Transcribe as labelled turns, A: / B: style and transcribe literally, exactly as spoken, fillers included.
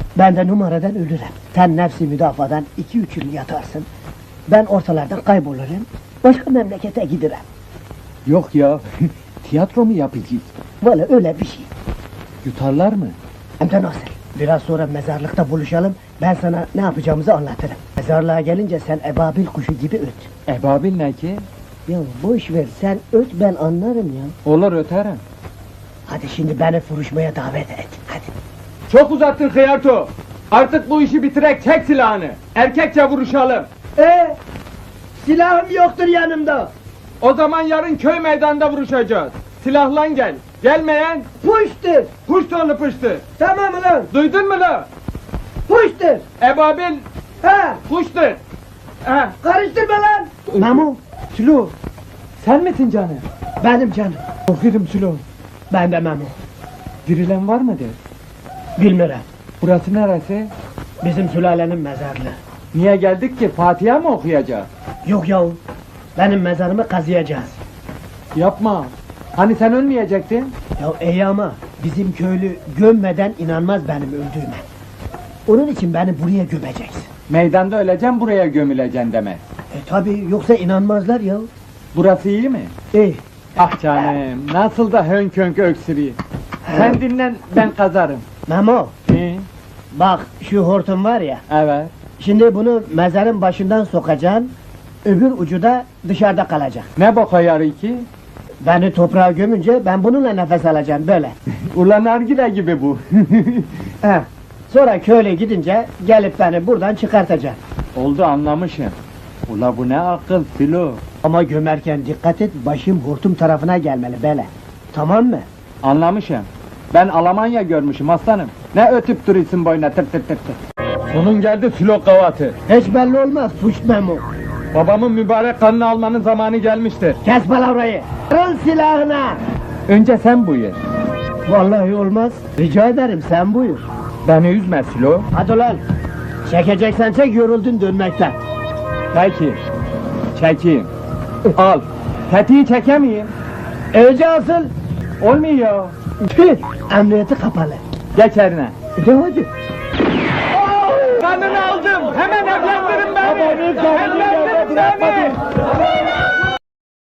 A: Ben de numaradan ölürüm. Sen nefsi müdafadan iki üç yıl yatarsın. Ben ortalardan kaybolurum. Başka memlekete giderim.
B: Yok ya, tiyatro mu yapacağız?
A: Valla öyle bir şey.
B: Yutarlar mı?
A: Hem de nasıl? Biraz sonra mezarlıkta buluşalım. Ben sana ne yapacağımızı anlatırım. Mezarlığa gelince sen ebabil kuşu gibi öt.
B: Ebabil ne ki?
A: Ya boş ver, sen öt, ben anlarım ya.
B: Olur öterim.
A: Hadi şimdi beni vuruşmaya davet et. Hadi.
B: Çok uzattın Hıyarto. Artık bu işi bitirek, çek silahını. Erkekçe vuruşalım.
A: Ee, silahım yoktur yanımda.
B: O zaman yarın köy meydanında vuruşacağız. Silahlan gel. Gelmeyen
A: Puştur.
B: puştonu pıştı.
A: Tamam ulan.
B: Duydun mu la?
A: Puştur.
B: Ebabil
A: Ha,
B: puştur. Ha.
A: karıştırma lan. Memo,
B: Sülo, sen misin canım?
A: benim canım.
B: Korkuyorum Sülo.
A: Ben de Memo.
B: Dirilen var mıdır?
A: Bilmiyorum.
B: Burası neresi?
A: Bizim sülalenin mezarlığı.
B: Niye geldik ki? Fatiha mı okuyacağız?
A: Yok yahu. Benim mezarımı kazıyacağız.
B: Yapma. Hani sen ölmeyecektin?
A: Ya iyi ama bizim köylü gömmeden inanmaz benim öldüğüme. Onun için beni buraya gömeceksin.
B: Meydanda öleceğim, buraya gömüleceksin demek.
A: E tabi, yoksa inanmazlar ya.
B: Burası iyi mi?
A: İyi.
B: Ah canım, nasıl da hönk hönk öksürüyor. Sen dinlen, ben kazarım.
A: Memo,
B: Hı,
A: bak şu hortum var ya.
B: evet.
A: Şimdi bunu mezarın başından sokacaksın. Öbür ucu da dışarıda kalacak.
B: Ne boka yarı ki?
A: Beni toprağa gömünce ben bununla nefes alacağım böyle.
B: Ulan nargile gibi bu.
A: He. Sonra köyle gidince gelip beni buradan çıkartacaksın.
B: Oldu, anlamışım. Ula bu ne akıl Filo.
A: Ama gömerken dikkat et, başım hortum tarafına gelmeli böyle. Tamam mı?
B: Anlamışım. Ben Almanya görmüşüm aslanım. Ne ötüp duruyorsun boyuna tır tır tır tır. Sonun geldi Filo kavatı.
A: Hiç belli olmaz, puş Memo.
B: Babamın mübarek kanını almanın zamanı gelmiştir.
A: Kes palavrayı. Kırıl silahına.
B: Önce sen buyur.
A: Vallahi olmaz. Rica ederim, sen buyur.
B: Beni üzme Filo.
A: Hadi lan. Çekeceksen çek, yoruldun dönmekten.
B: Peki. Çekeyim. Al. Tetiği çekemeyeyim.
A: Önce asıl.
B: Olmuyor.
A: Tüh, emniyeti kapalı.
B: Geç eline.
A: De hadi.
B: Kanını aldım. Hemen evlendirin beni.
A: Babamın kanını
B: Evlendirin
A: bırakmadı.
B: beni.